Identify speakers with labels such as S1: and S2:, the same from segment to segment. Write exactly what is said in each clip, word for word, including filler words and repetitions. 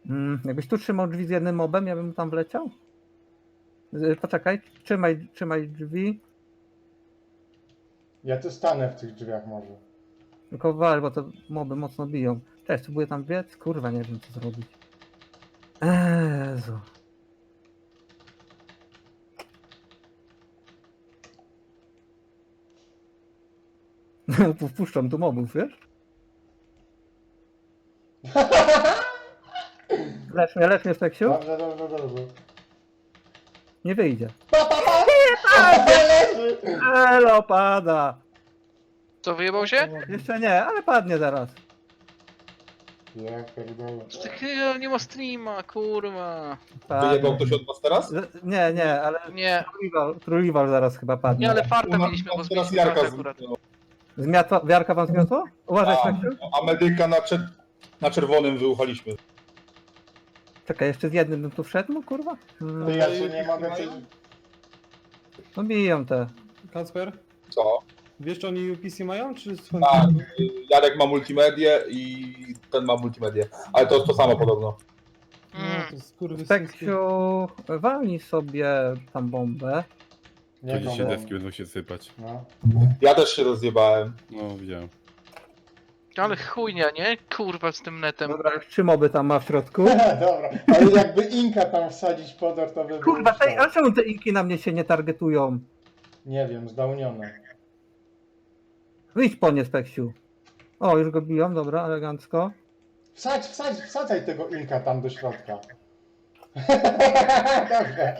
S1: Mm, jakbyś tu trzymał drzwi z jednym mobem, ja bym tam wleciał? Y, Poczekaj, trzymaj, trzymaj drzwi.
S2: Ja tu stanę w tych drzwiach może.
S1: Tylko wal, bo to moby mocno biją. Cześć, próbuję tam biec? Kurwa, nie wiem co zrobić. Jezu. Wpuszczam tu mobów, wiesz? Lecz mnie, lecz mnie, Speksiu.
S2: Dobrze, dobrze, dobrze.
S1: Nie wyjdzie.
S2: Pa, pa, pa! Leży!
S1: Elo, pada.
S3: Co, wyjebał się?
S1: Jeszcze nie, ale padnie zaraz.
S2: Ja pierdolę.
S3: Ty chyba nie ma streama, kurwa.
S1: Padnie.
S4: Wyjebał ktoś od was teraz?
S1: Z- Nie, nie, ale
S3: Nie,
S1: Truliwal, Truliwal zaraz chyba padnie.
S3: nie, ale farta
S4: U nas
S3: mieliśmy, bo
S4: tam teraz
S3: zmieniliśmy
S4: Jarka
S3: kartę akurat.
S4: zniknęła.
S1: Zmiatła, wiarka wam zmiotło? Uważaj,
S4: A,
S1: Speksiu.
S4: a medyka na, czer- na czerwonym wyuchaliśmy.
S1: Czekaj, jeszcze z jednym bym tu wszedł, no kurwa. Hmm,
S2: To ja się nie mogę coś...
S1: no biją te.
S5: Kacper,
S4: Co?
S5: wiesz czy oni U P C mają, czy są...
S4: Tak, Jarek ma multimedię i ten ma multimedię. Ale to jest to samo podobno.
S5: No,
S3: Mm.
S5: to skurwysyńskie.
S1: Speksiu, walnij sobie tam bombę.
S2: Nie
S6: To dzisiaj
S2: go
S6: deski będą się sypać.
S2: No.
S4: Ja też się rozjebałem.
S6: No, widziałem.
S3: Ale chujnia, nie? Kurwa z tym netem.
S1: Dobra, już trzy moby tam ma w środku.
S2: Dobra, ale jakby Inka tam wsadzić podor, to by było
S1: Kurwa, tej,
S2: sztos.
S1: a czemu te inki na mnie się nie targetują?
S2: Nie wiem, zdałnione.
S1: Wyjdź po nie, Speksiu. O, już go biją, dobra, elegancko.
S2: Wsadź, wsadź, wsadzaj tego Inka tam do środka. Dobrze.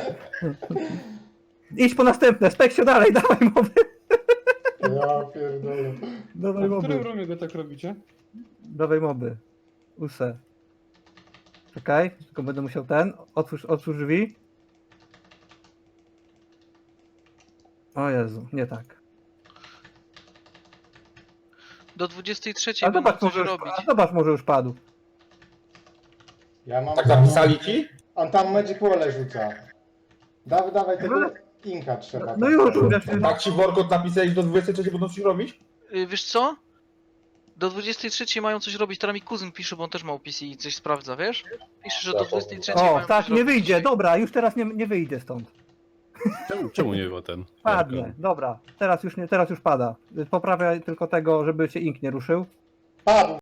S1: Idź po następne, Speksiu dalej, dawaj moby.
S2: Ja pierdolę.
S1: Dawaj
S5: A w którym
S1: moby.
S5: rumie go tak robicie?
S1: Dawaj moby. Use. Czekaj, tylko będę musiał ten. Otwórz, otwórz drzwi. O Jezu, nie tak.
S3: Do dwudziestej trzeciej
S1: A
S3: będą
S1: zobacz,
S3: coś
S1: może już,
S3: robić.
S1: a zobacz, może już padł.
S2: Ja mam...
S4: Tak napisali ci?
S2: On tam Magic Wall'e rzuca. Dawaj, dawaj tego Inka trzeba.
S1: No już,
S2: tam.
S1: wiesz,
S4: Tak ci workot napisali, że do dwudziestej trzeciej będą coś robić?
S3: Y, Wiesz co? Do dwudziestej trzeciej mają coś robić, teraz mi kuzyn pisze, bo on też ma U P C i coś sprawdza, wiesz? Pisze, że do dwudziestej trzeciej
S1: O,
S3: mają
S1: tak,
S3: coś
S1: nie
S3: robić.
S1: wyjdzie, dobra, już teraz nie, nie wyjdzie stąd.
S6: Czemu, czemu nie było ten?
S1: Padnie,
S6: Jarka?
S1: dobra, teraz już, nie, teraz już pada. Poprawiaj tylko tego, żeby się ink nie ruszył.
S2: Padł.